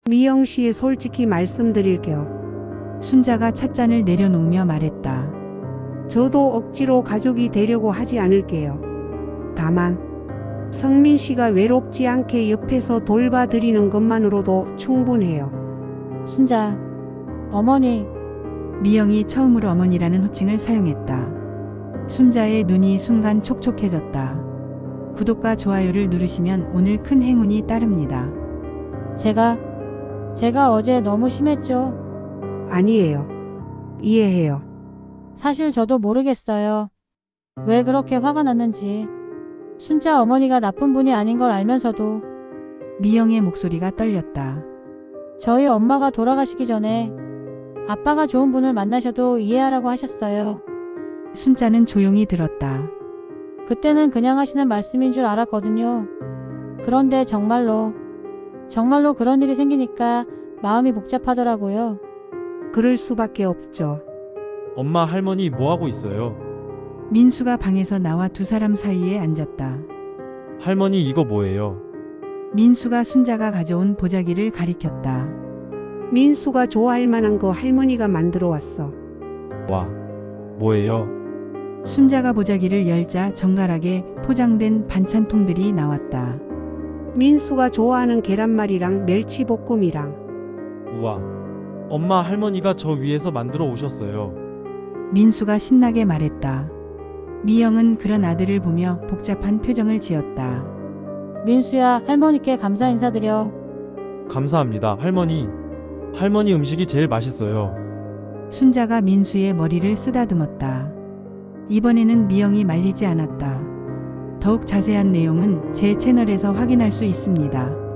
미영 씨, 솔직히 말씀드릴게요. 순자가 찻잔을 내려놓으며 말했다. 저도 억지로 가족이 되려고 하지 않을게요. 다만 성민 씨가 외롭지 않게 옆에서 돌봐드리는 것만으로도 충분해요. 순자, 어머니, 미영이 처음으로 어머니라는 호칭을 사용했다. 순자의 눈이 순간 촉촉해졌다. 구독과 좋아요를 누르시면 오늘 큰 행운이 따릅니다. 제가 어제 너무 심했죠? 아니에요. 이해해요. 사실 저도 모르겠어요. 왜 그렇게 화가 났는지. 순자 어머니가 나쁜 분이 아닌 걸 알면서도 미영의 목소리가 떨렸다. 저희 엄마가 돌아가시기 전에 아빠가 좋은 분을 만나셔도 이해하라고 하셨어요. 순자는 조용히 들었다. 그때는 그냥 하시는 말씀인 줄 알았거든요. 그런데 정말로 그런 일이 생기니까 마음이 복잡하더라고요. 그럴 수밖에 없죠. 엄마, 할머니 뭐하고 있어요? 민수가 방에서 나와 두 사람 사이에 앉았다. 할머니 이거 뭐예요? 민수가 순자가 가져온 보자기를 가리켰다. 민수가 좋아할 만한 거 할머니가 만들어 왔어. 와, 뭐예요? 순자가 보자기를 열자 정갈하게 포장된 반찬통들이 나왔다. 민수가 좋아하는 계란말이랑 멸치볶음이랑. 우와, 엄마, 할머니가 저 위에서 만들어 오셨어요. 민수가 신나게 말했다. 미영은 그런 아들을 보며 복잡한 표정을 지었다. 민수야, 할머니께 감사 인사드려. 감사합니다, 할머니. 할머니 음식이 제일 맛있어요. 순자가 민수의 머리를 쓰다듬었다. 이번에는 미영이 말리지 않았다. 더욱 자세한 내용은 제 채널에서 확인할 수 있습니다.